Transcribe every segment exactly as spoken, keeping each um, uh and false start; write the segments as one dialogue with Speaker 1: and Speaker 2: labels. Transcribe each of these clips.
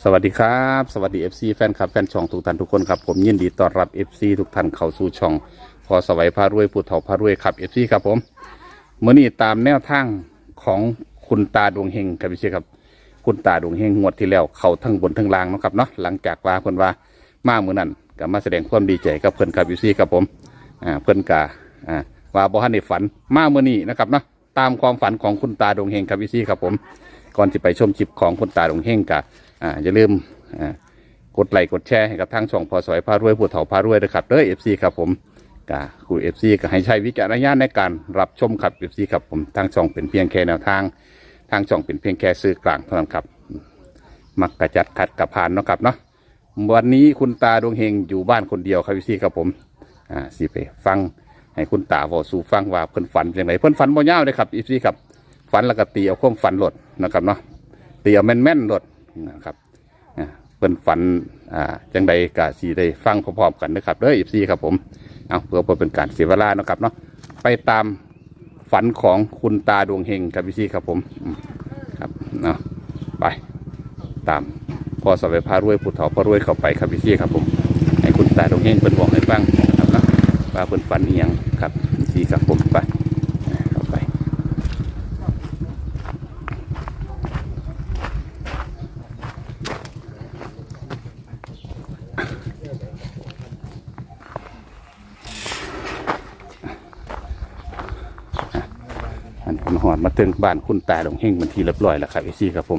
Speaker 1: สวัสดีครับสวัสดี เอฟ ซี แฟนคลับแฟนช่องทุกท่านทุกคนครับผมยินดีต้อนรับ เอฟ ซี ทุกท่านเข้าสู่ช่องพอสวัยพารวยผู้เฒ่าพารวยครับ เอฟ ซี ครับผมเมื่อนี้ตามแนวทางของคุณตาดวงเฮงครับพี่เชษครับคุณตาดวงเฮงงวดที่แล้วเข้าทั้งบนทั้งล่างนะครับเนาะหลังจากว่าเพิ่นว่ามาเมื่อนั้นก็มาแสดงความดีใจกับเพิ่นครับ เอฟ ซี ครับผมอ่าเพิ่นกะอ่าว่าบ่ทันได้ฝันมาเมื่อนี้นะครับเนาะตามความฝันของคุณตาดวงเฮงครับ เอฟ ซี ครับผมก่อนที่ไปชมคลิปของคุณตาดวงเฮงกะอ่าอย่าลืมอ่ากดไลค์กดแชร์ให้กับทางช่องพอสวยพารวยผู้เฒ่าพารวยนะครับเด้อ เอฟ ซี ครับผมกะคุณ เอฟ ซี ก็ให้ใช้วิจารณญาณในการรับชมครับ เอฟ ซี ครับผมทางช่องเป็นเพียงแค่แนวทางทางช่องเป็นเพียงแค่สื่อกลางเท่านั้นครับมักกระจัดขัดกระพานเนาะครับเนาะวันนี้คุณตาดวงเฮงอยู่บ้านคนเดียวครับ เอฟ ซี ครับผมอ่าสิไปฟังให้คุณตาบอกสู่ฟังว่าเพิ่นฝันอย่างไรเพิ่นฝันบ่ยาวเลยครับ เอฟ ซี ครับฝันแล้วก็ตีเอาความฝันหลดนะครับเนาะตีเอาแม่นๆหลดนะครับเพิ่นฝันอ่าจังใดกะสีได้ฟังพร้อมๆกันนะครับเด้อ เอฟ ซี ครับผมเอาเพื่อเป็นการเสียเวลานะครับเนาะไปตามฝันของคุณตาดวงเฮงครับ เอฟ ซี ครับผมครับเนาะไปตามพอสวัยพารวยผู้เฒ่าพารวยเข้าไปครับ เอฟ ซี ครับผมให้คุณตาดวงเฮงเพิ่นบอกให้ฟังนะครับเนาะว่าเพิ่นฝันอีหยังครับ เอฟ ซี ครับผมไปเข้าไปมันหอดมาถึงบ้านคุณตาดวงเฮงมันทีเรียบร้อยแล้วครับเอซี่ครับผม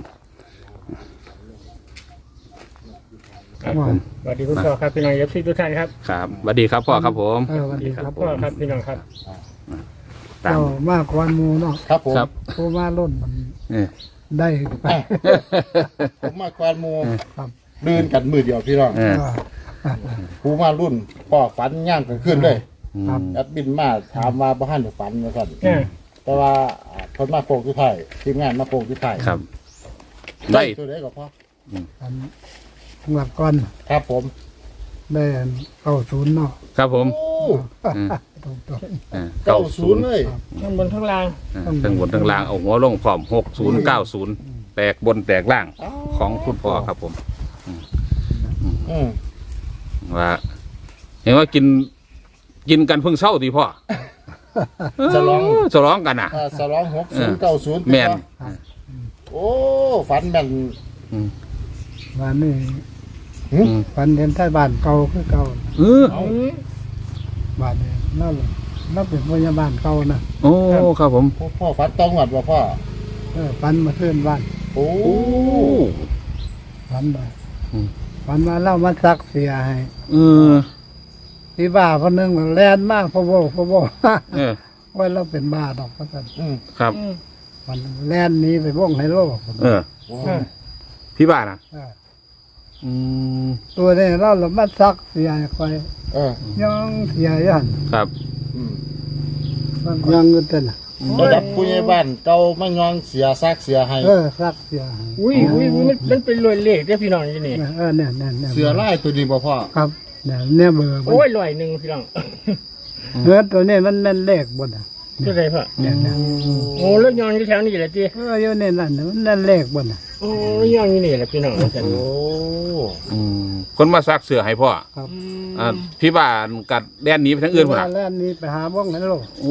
Speaker 1: ครับผม
Speaker 2: สวัสดีคุณพ่อครับพี่น้องเอฟซีทุกท่านครับ
Speaker 1: ครับสวัสดีครับพ่อครับผม
Speaker 3: เออสวัสดีครับ
Speaker 2: พ่อครับพี่น้องครับ
Speaker 1: ตาม
Speaker 3: เจ้ามากกว่าหมูเนาะ
Speaker 4: ครับผม
Speaker 1: ครับ
Speaker 3: ผู้มาล้นมัน
Speaker 1: เออ
Speaker 3: ได้ไป
Speaker 4: ผมมาควานหมู
Speaker 3: ครับ
Speaker 4: เดินกันมือเดียวพี่น้อง
Speaker 1: เออ
Speaker 4: ผู้มารุ่นพ่อฝันย่างกันขึ้นเลย
Speaker 3: ครับ
Speaker 4: แอดบินมาถามว่าบ้านหรือฝันนะสั่น
Speaker 2: เนี่ย
Speaker 4: แต่ว่าคนมาโกงที่ไทยทีมงานมาโกงที่ไทย
Speaker 1: ครับ
Speaker 4: ได้
Speaker 1: ได้
Speaker 4: ตัวไหนก็พ่อ
Speaker 3: อันงวดก่อน
Speaker 4: ครับผม
Speaker 3: ได้เข้าศูนย์เนาะ
Speaker 1: ครับผม
Speaker 4: โอ้
Speaker 3: ตรงตัว
Speaker 1: เออ
Speaker 4: เก้า
Speaker 1: เก้า
Speaker 4: ศู
Speaker 1: ศู
Speaker 4: น
Speaker 1: น
Speaker 4: ย์
Speaker 1: ย์
Speaker 4: เลย
Speaker 2: ข้างบนข้างล่าง
Speaker 1: ทั้งบนทั้งล่างเอาหัวลงพร้อมหกศูนย์เก้าศูนย์แตกบนแตกล่างของคุณพ่อครับผม
Speaker 4: อืม
Speaker 1: ว่าเห็นว่ากินกินกันเพิ่งเช้าดีพ่อ
Speaker 4: จะลอง
Speaker 1: เออจะร้องกันอ่ะ
Speaker 4: อ่าสลองหกศูนย์เก้าศูนย์
Speaker 1: แม่น
Speaker 4: โอ้ฝันแม่น
Speaker 3: วันนี้
Speaker 4: หึ
Speaker 1: อืม
Speaker 3: ฝันเห็นใต้บ้านเก่าคือเก่า
Speaker 1: เออ
Speaker 4: เอา
Speaker 3: บ้านนี้นั่นนั่นเป็นพยาบาลเก่านะ
Speaker 1: โอ้ครับผม
Speaker 4: พ่อพ่อฝันต้องหวัดว่าพ่อ
Speaker 3: เออฝันมาขึ้นบ้าน
Speaker 4: โอ้
Speaker 1: โอ้
Speaker 3: ฝันมา
Speaker 1: อืม
Speaker 3: ฝันมาเล่ามาซักเสียให้
Speaker 1: เออ
Speaker 3: ที่บ้าคนหนึงแลนมากพ่อโบพ่อโบ
Speaker 1: เออ
Speaker 3: ว่าเราเป็นบ้าดอกพระสัน
Speaker 4: อืม
Speaker 1: ครับ
Speaker 3: มันแลนหนี้ไปว่องไฮโล
Speaker 1: เออ
Speaker 4: โอ้
Speaker 1: พี่บ้านอ่ะ
Speaker 3: เออ
Speaker 1: อืม
Speaker 3: ตัวนี้เราเรามาซักเสียให้คอย
Speaker 4: เออ
Speaker 3: ย่องเสียยัน
Speaker 1: ครับ
Speaker 4: อืม
Speaker 3: มันยังเงินเต้นน่ะ
Speaker 4: ระดับผู้ใหญ่บ้านเก่าไม่ยองเสียซากเสียให้
Speaker 3: เออซักเสียให้
Speaker 2: อุ้ยอุ้ยอุ้ยมันมันเป็นรอยเลขเนี่ยพี่น้องที่นี่
Speaker 3: เออเนี่ยเนี่ยเนี่ย
Speaker 4: เสือไล่ตัวนี้บ่พ่อ
Speaker 3: ครับเนี่ยเนี่ยเบอร์มัน
Speaker 2: โอ้ยรอยหนึ่งพี่น้อง
Speaker 3: เนื้อตัวนี้มันแม่นเลขบนอ่ะ
Speaker 2: เท่าไหรพ่อ
Speaker 3: เนี่ยเนี่ย
Speaker 2: โอ้แล้วยองอยู่แถวนี้แหละจี
Speaker 3: เอออยู่ในนั่นน่ะมันแม่นเลขบนอ่ะ
Speaker 2: โอ้ยองอยู่นี่แหละพี่น้อง
Speaker 4: โอ้
Speaker 1: อืมคนมาซักเสื้อให้พ่อ
Speaker 3: ครับ
Speaker 1: อ่าพี่บ้านกัดแดนหนีไปทางอื่นหมดอ่ะ
Speaker 3: แล้วนี้ไปหาบ้องไฮโล
Speaker 1: โอ้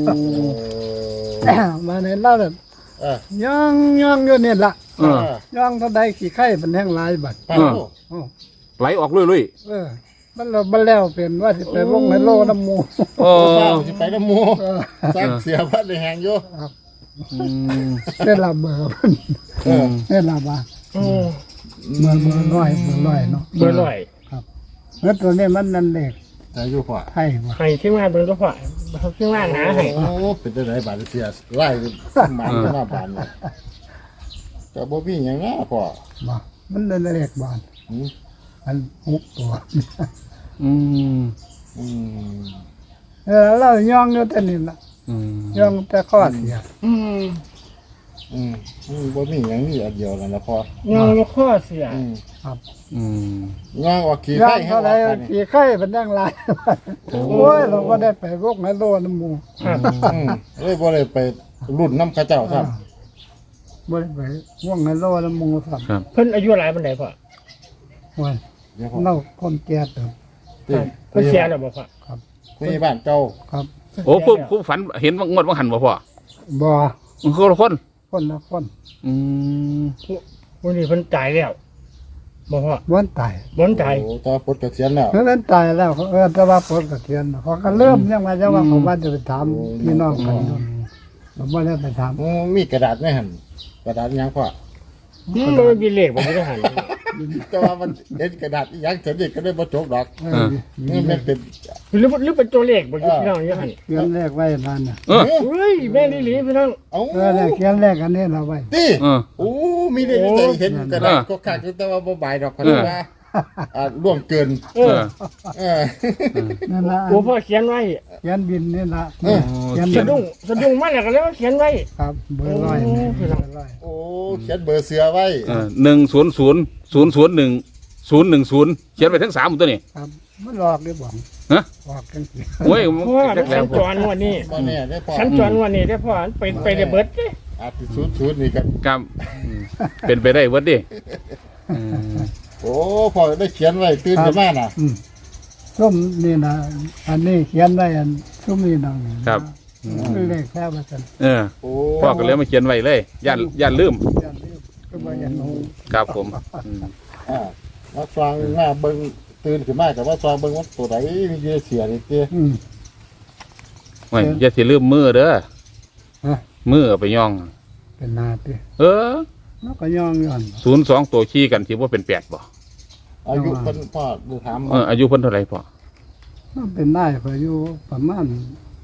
Speaker 3: มาในเล่าแบบ
Speaker 4: เออ
Speaker 3: ย่องย่องอยู่เนี่ยละ
Speaker 1: เออ
Speaker 3: ย่องเท่าใดขี้ไข่มันแห้งหลายบัด
Speaker 4: ไปโอ้
Speaker 3: โอ้
Speaker 1: ไหลออกเรื่อย
Speaker 3: เออมันเราบันแล้วเป็นว่าสิไปบ้องไฮโลน้ำหมู
Speaker 1: ๆโอ้
Speaker 4: เฝ้าสิไปน้ำหมู
Speaker 3: เออ
Speaker 4: ซากเสียพัดเลยแหงอยู่
Speaker 1: อืม
Speaker 3: ได้ละเบอร์มัน
Speaker 4: เออ
Speaker 3: ได้ละบ้า
Speaker 2: โอ้
Speaker 3: เบอร์เบอร์ร้อยเบอร์ร้อยเนาะ
Speaker 2: เบอร์รอย
Speaker 3: แล้วตัวนี้มันนั่นเด็ก
Speaker 4: แต่อยู่พ่อ
Speaker 3: ไทยว่ะ
Speaker 2: ให้ที่มาเบอร์ก็พ่อที่มาหนาให้
Speaker 4: โอ้เป็นจังไดบาดเสียไล่หมันขึ้นมาบานเลยแต่บ่มีหยังนะพ่อ
Speaker 3: บ่มันนั่นเด็กบาน
Speaker 4: อืม
Speaker 3: มันหกตัว
Speaker 1: อืม
Speaker 4: อืม
Speaker 3: เออเราย่องอยู่แต่นี่ละ
Speaker 1: อืม
Speaker 3: ย่องแต่ข้อเสีย
Speaker 2: อืม
Speaker 4: อืมอืมบ่มีหยังนี่อันเดียวนั่นละพ่อย
Speaker 2: องอยู่ข้อเสีย
Speaker 4: อืม
Speaker 3: ครับ
Speaker 1: อืม
Speaker 4: งางออกขี้
Speaker 3: ย่อ
Speaker 4: ไข่
Speaker 3: ง
Speaker 4: ให้
Speaker 3: เท่า
Speaker 4: อ
Speaker 3: ไร
Speaker 4: อกกันนี่
Speaker 3: ขี่ไข่เป็นดังหลายโอ้ยเราก็ได้ไปพวกไฮโลน้ำหมู
Speaker 2: ครับ
Speaker 4: อืมเลยบ่ได้ไปรุ่นน้ำเข้าเจ้าครับ
Speaker 3: บ่ได้ไปพวกไฮโลน้ำหมูครับ
Speaker 1: ครับ
Speaker 2: เพิ่นอายุหลายปานใดพ่อ
Speaker 3: โอ้ย
Speaker 4: เดี๋ยวพ่อ
Speaker 3: เน่าคนแก่เติม
Speaker 4: ติ
Speaker 2: เพิ่นเสียแล้วบ่พ่อ
Speaker 3: ครับ
Speaker 4: ผู้ใหญ่บ้านเก่า
Speaker 3: ครับ
Speaker 1: โอ้ผู้ผู้ฝันเห็นว่างวดว่าหันบ่พ่อ
Speaker 3: บ่
Speaker 1: มันคือละคน
Speaker 3: คนละคน
Speaker 1: อืม
Speaker 2: ผู้นี้เพิ่นตายแล้วบ่พ่อ
Speaker 3: วันตาย
Speaker 2: บ่ตาย
Speaker 4: โอ้ตอนปลดเกษียณแล้ว
Speaker 3: เพราะนั้นตายแล้วเขาเออแต่ว่าปลดเกษียณเขาก็เริ่มยังมาจะว่าเขาว่าจะไปถามพี่น้องกันอยู่ผมว่าจะไปถาม
Speaker 4: โอ้มีกระดาษไหมหั่นกระดาษอิหยังพ่อ
Speaker 2: อืมมันมีเลขบ่ได้หัน
Speaker 4: แต่ว่ามันเห็นกระดาษอิหยังเสร็จนี่ก็ได้บ่จบดอก
Speaker 3: เออ
Speaker 4: นี่มันเป็น
Speaker 2: หรือหรือเป็นตัวเลขบ่อยู่พี่น้องอยู่หัน
Speaker 3: เขียนเลขไว้นั่นน่ะ
Speaker 1: เออ
Speaker 2: เฮ้ยแม่นอีหลีพี่น้อง
Speaker 4: เอ้า
Speaker 3: เออเนี่ยเขียนเลขอันนี้เราไว้
Speaker 4: ติ
Speaker 1: เออ
Speaker 4: โอ้มีได้มีแต่เห็นกระดาษก็คักอยู่แต่ว่าบ่บายดอกเขาเรียกว่าอ่าล่วงเกิน
Speaker 2: เอ
Speaker 1: เอ
Speaker 2: อ
Speaker 1: อ
Speaker 4: เออ
Speaker 3: นั่นละ
Speaker 2: โอ้พ่อเขียนไว้
Speaker 3: เขียนบินนี่ละ
Speaker 4: เออ
Speaker 3: เขียน
Speaker 2: สะดุ้งสะดุ้งมาแล้วก็เลยว่าเขียนไว้
Speaker 3: ครับเบอร์ร้อยนี่เบอร์ร้อย
Speaker 4: โอ้เขียนเบอร์เสือไว้
Speaker 1: เออหนึ่งศูนย์ศูนย์ศูนย์ศูนย์หนึ่งศูนย์หนึ่งศูนย์เขียนไปทั้งสามหมดตัวนี้
Speaker 3: ครับมันหลอกได้บ่
Speaker 1: ฮะ
Speaker 3: หลอกกันสิ
Speaker 1: โอ้ย
Speaker 2: เพราะว่า
Speaker 1: จัก
Speaker 2: สั
Speaker 1: แล้ว
Speaker 2: ญจรวันนี้
Speaker 4: บ่แน่ได้พ่อ
Speaker 2: สัญจรวันนี้ได้พ่อไปไปได้เบิดเด้
Speaker 4: อาจสิศูนย์ศูนย์นี่ก็
Speaker 1: ครับอืมเป็นไปได้เวิร์ดดิอืม
Speaker 4: โอ้พ่อได้เขียนไว้ตื่นขึ้นมาน่ะ
Speaker 3: อืมส้มนี่นะอันนี้เขียนได้อันส้มนี่น้องนี่นะครับ เลขแค่ว่าซั่น
Speaker 1: เออ
Speaker 4: โอ้
Speaker 1: พ่อก็เลยมาเขียนไว้เลยย่านย่านลืม
Speaker 3: อย่าลืมก็บ่อย่าลืม
Speaker 1: ครับผมอืม
Speaker 4: อ่ามาฟังมาเบิ่งตื่นขึ้นมาก็ว่าฟังเบิ่งว่าตัวใดมีเยอะเสียนี่ติ
Speaker 3: อืม
Speaker 1: ไม่อย่าสิลืมมือเด้อ
Speaker 3: ฮะ
Speaker 1: มือเอาไปย่อง
Speaker 3: เป็นนาติ
Speaker 1: เออ
Speaker 3: มันก็ย่องย้อน
Speaker 1: ศูนย์สองตัวขี้กันที่ว่าเป็นแปดบ่
Speaker 4: อายุเพิ่นพ่อดูถาม
Speaker 1: เอออายุเพิ่นเท่าไหร่พ่อ
Speaker 3: มันเป็นได้พออยู่ประมาณ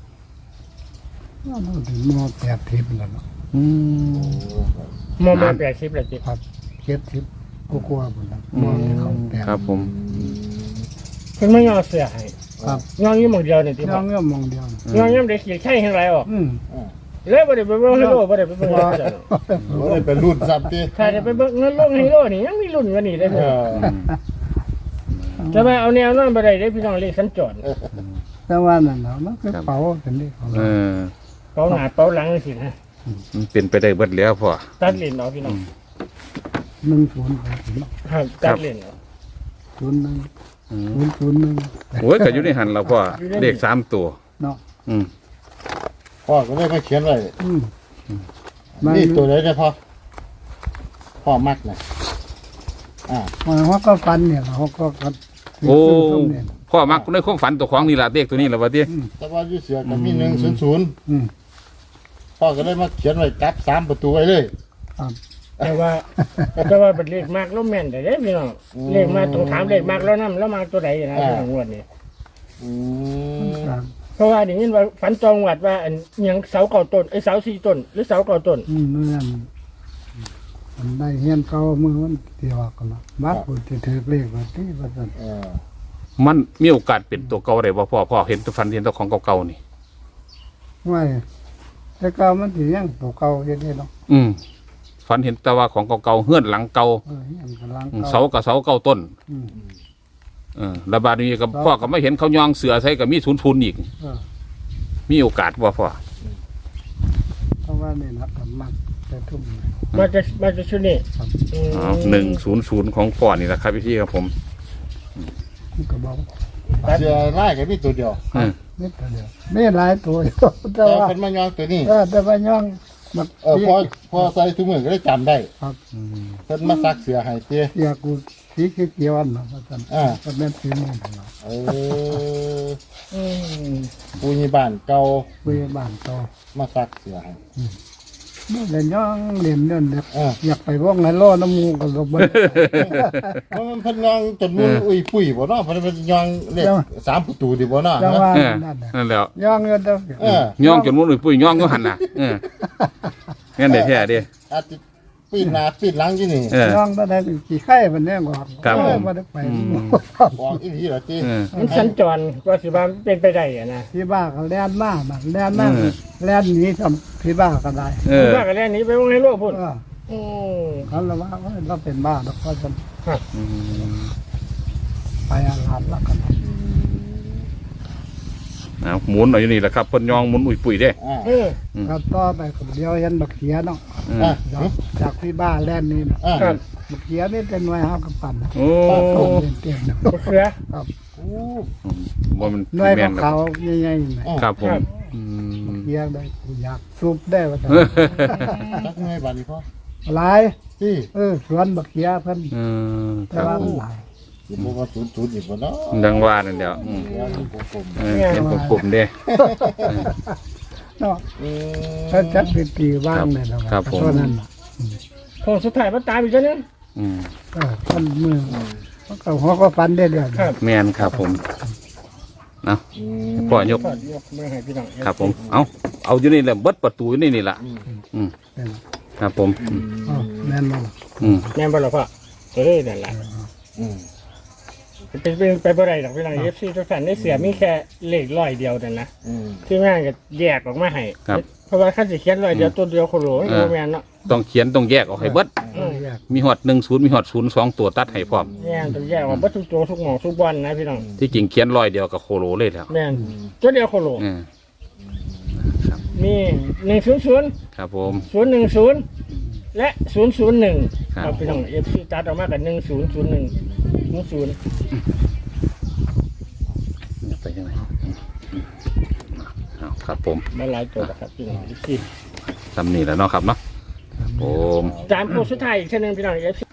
Speaker 3: ว่าเราถึงมอแปดทิพย์แล้วเนาะ
Speaker 1: อืม
Speaker 2: มอมาแปดสิบแล้วจิ
Speaker 3: ครับเจ็ดทิพย์ก็กลัวหมดแล้ว
Speaker 1: อื
Speaker 3: มอที่เขา
Speaker 1: ม
Speaker 3: แปด
Speaker 1: ครับผม
Speaker 2: เพิ่นไม่ยอมเสียให้
Speaker 3: ครับ
Speaker 2: ย่องอยู่หม่องเดียวนี่ติ
Speaker 3: ย่
Speaker 2: พ่
Speaker 3: อ
Speaker 2: อง
Speaker 3: เงื่อมมองเดียวนะ
Speaker 2: ย่องย่ำได้เขียนไข่ให้ไรออก
Speaker 3: อืม
Speaker 4: อ่า
Speaker 2: เลยบ่ได้ไปเบิ่งไฮโลบ่ได้ไปเบิ่งเจ้า
Speaker 4: โอ้ยเป็นรุ่นซ้ำติ
Speaker 2: ถ้าได้ไปเบิ่งเงินลงไฮโลนี่ยังมีรุ่นกว่านี้ได้
Speaker 4: เอ
Speaker 2: เพิ่น
Speaker 4: อ
Speaker 1: อืม
Speaker 2: จะมาเอาแนวนั้นบ่ได้เด้พี่น้องเลขสัญจร
Speaker 3: แต่ว่านั่นเนาะมันคือเป๋าเป็นเลขของ
Speaker 1: เอ
Speaker 3: เรา
Speaker 1: อ
Speaker 2: เป๋าหน้าเป๋าหลังสินะ
Speaker 1: มันเป็นไปได้เบิดแล้วพ่อ
Speaker 2: ตัดเลนเอาพี่น้อง
Speaker 3: หนึ่งศูนย์ไปถึง
Speaker 2: ครับตัดเลนเอา
Speaker 3: ศูนย์หนึ่ง
Speaker 1: อืม
Speaker 3: ศูนย์ศูนย์หนึ่ง
Speaker 1: โอ้ยก็อยู่ในหันเราพ่อเลขสามตัว
Speaker 3: เนาะ
Speaker 1: อืม
Speaker 4: พ่อก็เลยมาเขียนไว้
Speaker 3: อืมมัน
Speaker 4: นี่ตัวไหนเนี่ยพ่อพ่อมักน่ะอ่า
Speaker 3: มันเขาก็ฟันเนี่ยเขาก็กัน
Speaker 1: โอ้
Speaker 3: ส้มเนี่ย
Speaker 1: พ่อมักในความฝันตัวของนี่ล่ะเลขตัวนี้ล่ะว่าติ
Speaker 3: อืม
Speaker 4: แต่ว่าอยู่เสือก็มีหนึ่งศูนย์ศูนย์
Speaker 3: อืม
Speaker 4: พ่อก็เลยมาเขียนไว้จับสามประตูไว้เลย
Speaker 3: ครับ
Speaker 2: แต่ว่าแต่ว่าเป็นเลขมากแล้วแม่นแต่เด้พี่น้อง
Speaker 4: อืม
Speaker 2: เลขมากต้องถามเลขมากแล้วนำแล้วมาตัวใดนะพี่น้องงวดนี้
Speaker 4: อืม
Speaker 3: ครับ
Speaker 2: เพราะว่าได้ยินว่าฝันจองวัดว่าอันอิหยังเสาเก่าต้นไอ้ยเสาสี่ต้นหรือเสาเก่าต้น
Speaker 3: อืมเมื่อนมันได้เฮียนเก่ามือมันเที่ยวกันละบัดผู้ที่ถือเลขว่าที่ว่าซั่น
Speaker 4: เออ
Speaker 1: มันมีโอกาสเป็นตัวเก่าได้บ่พ่อพ่อเห็นตัวฝันเห็นตัวของเก่าๆนี่
Speaker 3: ไว้แต่เก่ามันสิยังตัวเก่าอยู่เด้เนาะ
Speaker 1: อืมฝันเห็นแต่ว่าของเก่าๆเฮือนหลังเก่า
Speaker 3: เออเฮียนกำลัง
Speaker 1: อืม
Speaker 3: เก่า
Speaker 1: เสากับเสาเก่าต้น
Speaker 3: อืม
Speaker 1: เออระบาดนี้กับพ่อก็ไม่เห็นเขายองเสือใส่กับมีศูนย์ทุนอีก
Speaker 3: เออ
Speaker 1: มีโอกาสบ่พ่อ
Speaker 3: เพราะว่านี่นะก็มักจะทุ่มเลย
Speaker 2: มาจะมาจะชุดนี้
Speaker 3: ครับ
Speaker 2: อืม
Speaker 1: อ๋อหนึ่งศูนย์ศูนย์ของพ่อนี่แหละครับพี่ครับผม
Speaker 3: มันก็บอก
Speaker 4: เสือไล่ก็มีตัวเดียว
Speaker 1: เออ
Speaker 3: นิดเดียวไม่หลายตัวอยู่แต่
Speaker 4: แต่
Speaker 3: ว่า
Speaker 4: เป็นมายองตัวนี้
Speaker 3: เออแต่ว่าย่องมัน
Speaker 4: เออพอพอใส่ถุงมือก็ได้จำได้
Speaker 3: ครับ
Speaker 1: อืม
Speaker 4: เพิ่นมาซักเสือให้เตี้ย
Speaker 3: เสียกูสีเขียวๆน่ะว่าซั่น
Speaker 4: อ่า
Speaker 3: ก็แม่นสีนี่เนาะ
Speaker 4: เออ
Speaker 2: อืม
Speaker 4: ปูยีบ้านเก่า
Speaker 3: คุยบ้านโต
Speaker 4: มาซักเสือให้
Speaker 3: บ่เล่นย่องเล่นเล่นเด็ก
Speaker 4: อ่า
Speaker 3: อยากไปวงไหนโลน้ำมูกก็บ่ได้
Speaker 4: เพราะมันเพิ่นยองจนมุนอุ้ยปุ้ยบ่เนาะเพิ่นเป็นยองเลขสามประตูดิบ่เนาะ
Speaker 3: จัง
Speaker 4: ฮะ
Speaker 3: ว่า
Speaker 1: เออ
Speaker 3: นั่นน่ะ
Speaker 1: นั่นแหล้ว
Speaker 3: ย่องเงินเด้อ
Speaker 4: เออย่
Speaker 1: องจนมุ้นปุ้ยย่องก็หันน่ะเอองั้นได้แท้เด้
Speaker 4: อาจจะปีนหน้าปีนหลังอยู่นี่
Speaker 1: เออ
Speaker 3: ย่องตอนนั้นขี้ไข่มันแน่กว่า
Speaker 1: ครับผม
Speaker 3: บ่ได้ไป
Speaker 1: อืม
Speaker 4: บอกอีหลีล่ะติ
Speaker 1: เออ
Speaker 2: มันสัญจรก็สิว่ามันเป็นไปได้อะนะ
Speaker 3: ที่บ้านก็แล่นมาบัดแล่นมา
Speaker 1: เออ
Speaker 3: แล่นหนีทำที่บ้านก็ได้
Speaker 1: เออ
Speaker 2: ว่ากันแล้วหนี้ไปวงให้โลกพุ่น
Speaker 3: เออ
Speaker 2: อืม
Speaker 3: เขาเลยว่าเราเป็นบ้าแล้วก็จะ
Speaker 1: อืม
Speaker 3: ไปอาหารแล้วกัน
Speaker 1: เอาหมุนเอาอยู่นี่แหละครับเพิ่นย่องหมุนอุ้ยปุ้ยเด้
Speaker 4: อ่า
Speaker 2: เออ
Speaker 3: ก็ต่อไปก็เดียวเห็นบักเขียเนาะ
Speaker 1: เออ
Speaker 4: อ่ะ
Speaker 3: จากจากที่บ้านแล่นนี่นะ
Speaker 4: อ่า
Speaker 2: ครับ
Speaker 3: บักเขียนี่เป็นหน่วยเฮากับปั่นนะ
Speaker 1: โอ้
Speaker 3: ต้มเต็มๆ
Speaker 2: มะเขือ
Speaker 4: โอ้
Speaker 1: ว่ามัน
Speaker 3: หน่วย
Speaker 1: แม่น
Speaker 3: เขาๆใหญ่ๆนี่
Speaker 1: ครับผม
Speaker 2: ครับ
Speaker 1: อืม
Speaker 3: เขียได้กูอยากซุปได้ว่าซั่น
Speaker 4: จักหน่วยบาดนี้พ่อ
Speaker 3: หลาย
Speaker 4: พี่
Speaker 3: เออสวนบักเขียเพิ่น
Speaker 1: เออค
Speaker 3: แต่
Speaker 1: รับ
Speaker 3: ว่า
Speaker 1: ผม
Speaker 3: หลาย
Speaker 4: สิบ่ว่าศูนย์ศูนย์อีกบ่เนาะ
Speaker 1: ดังว่านั่นเดียวอืม
Speaker 4: เดี๋ยวนี่ผมผม
Speaker 1: เออเห็นผมกลุ่มเด้
Speaker 3: เนาะ
Speaker 4: เออ
Speaker 3: ถ้าจัดเป็นปีว่างเลยนะว่า
Speaker 1: ครับผม
Speaker 3: เท่านั้นน่ะ
Speaker 2: โค้งสุดท้ายมันตามอีกแล้วนึง
Speaker 1: อืม
Speaker 3: เออท่านมือมันก็หัวก็ฟันได้เดือน
Speaker 2: ครับ
Speaker 1: แม่นครับผมเอา
Speaker 4: อืม
Speaker 1: พ่อยก
Speaker 2: ขอดยกมือให้พี่น้อง
Speaker 1: ครับผม เอาเอาอยู่นี่แหละเบิดประตูอยู่นี่นี่ล่ะอืมครับผมอืม
Speaker 3: อ๋อแน่นอน
Speaker 1: อืม
Speaker 2: แม่นบ่ล่ะพ่อเอ้ยนั่นล่ะ
Speaker 4: อืม
Speaker 2: เป็นเป็นไปบ่ได้ดอกพี่น้อง เอฟ ซี ทุกท่านได้เสียมีแค่เลขร้อยเดียวนั่นนะ
Speaker 4: อืม
Speaker 2: ที่แม่งก็แยกออกมาให้
Speaker 1: ครับ
Speaker 2: เพราะว่าคันสิเขียนร้อยเดียวตัวเดียวโคโลมันบ่แม่นเนาะ
Speaker 1: ต้องเขียนต้องแยกออกให้เบิด
Speaker 2: เออ
Speaker 3: อยาก
Speaker 1: มีหอดหนึ่งศูนย์มีหอดศูนย์สองตัวตัดให้พร้อม
Speaker 2: แม่นต้องแยกออกเบ่ทุกตัวทุกหม่องทุกบอลนะพี่น้อง
Speaker 1: ที่จริงเขียนร้อยเดียวกับโคโลเลยแล้ว
Speaker 2: แม่นตัวเดียวโคโล
Speaker 1: เออ
Speaker 2: มีหนึ่งศูนย์ศูนย์
Speaker 1: ครับผม
Speaker 2: ศูนย์หนึ่งศูนย์และศูนย์ศูนย์หนึ่ง
Speaker 1: ครับ
Speaker 2: เอาพี่น้อง เอฟ ซี ตัดออกมากันหนึ่งศูนย์ศูนย์หนึ่งศูนย์
Speaker 1: ไปยังไงเอาครับผม
Speaker 2: มาหลายตัวแล้วครับพี่น้อง เอฟ ซี
Speaker 1: ทำนี่แหล้วเนาะครับเนาะผม
Speaker 2: ตามโค้งสุดท้ายอีกเช่นนึงพี่น้อง เอฟ ซี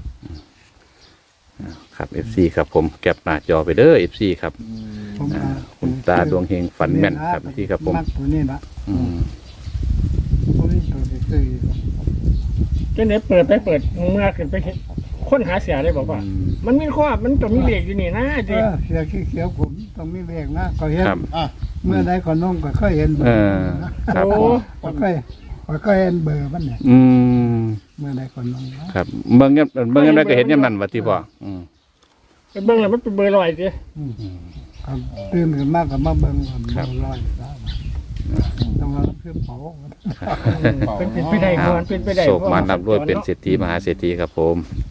Speaker 1: ครับ เอฟ ซี ครับผมแก็บหน้าจอไปเด้อ เอฟ ซี ครับ
Speaker 3: ผม
Speaker 1: อ่า
Speaker 3: ว่า
Speaker 1: คุณตาดวงเฮงฝันแม่นครับพี่ครับผม
Speaker 3: มักตัวนี้นะ
Speaker 1: อืม
Speaker 3: ตัวนี้ตัวที่ซื้ออยู่
Speaker 2: เจ้าเนี่ยเปิดไปเปิดเมื่อขึ้นไปเห็นค้นหาเสียได้บอกว่า มันมีข้อมันต้องมีเลขอยู่นี่นะ
Speaker 3: เอ
Speaker 2: ดิ
Speaker 3: อเสียขี้เขียวผมต้องมีเลขนะก็เห็น
Speaker 1: ครับ
Speaker 4: อ่ะ
Speaker 3: เมื่อใดก็น้องก็เคยเห็น
Speaker 1: เออครับ
Speaker 2: โอ้
Speaker 1: ผม
Speaker 3: ก็เคยก็เคยเห็นเบอร์มันเนี่ย
Speaker 1: อืม
Speaker 3: เมื่อใดก็น้องนะครับ
Speaker 1: เบิ่งเงี้ยเบิ่งเงี้ยได้ก็เห็นอย่างนั้นว่าที่พ่ออืม
Speaker 2: ไปเบิ่งแล้วมันเป็นเบอร์ลอยดิ
Speaker 3: ครับตื่นขึ้นมากก็มาเบิ่งว่าเบอร์ร้อยแล้วต้องเอาเพื่อเผา
Speaker 2: เป็นเป็นไปได้ก่อนเป็นไปได้
Speaker 1: โศกมานับด้วยเป็นเศรษฐีมหาเศรษฐีครับผม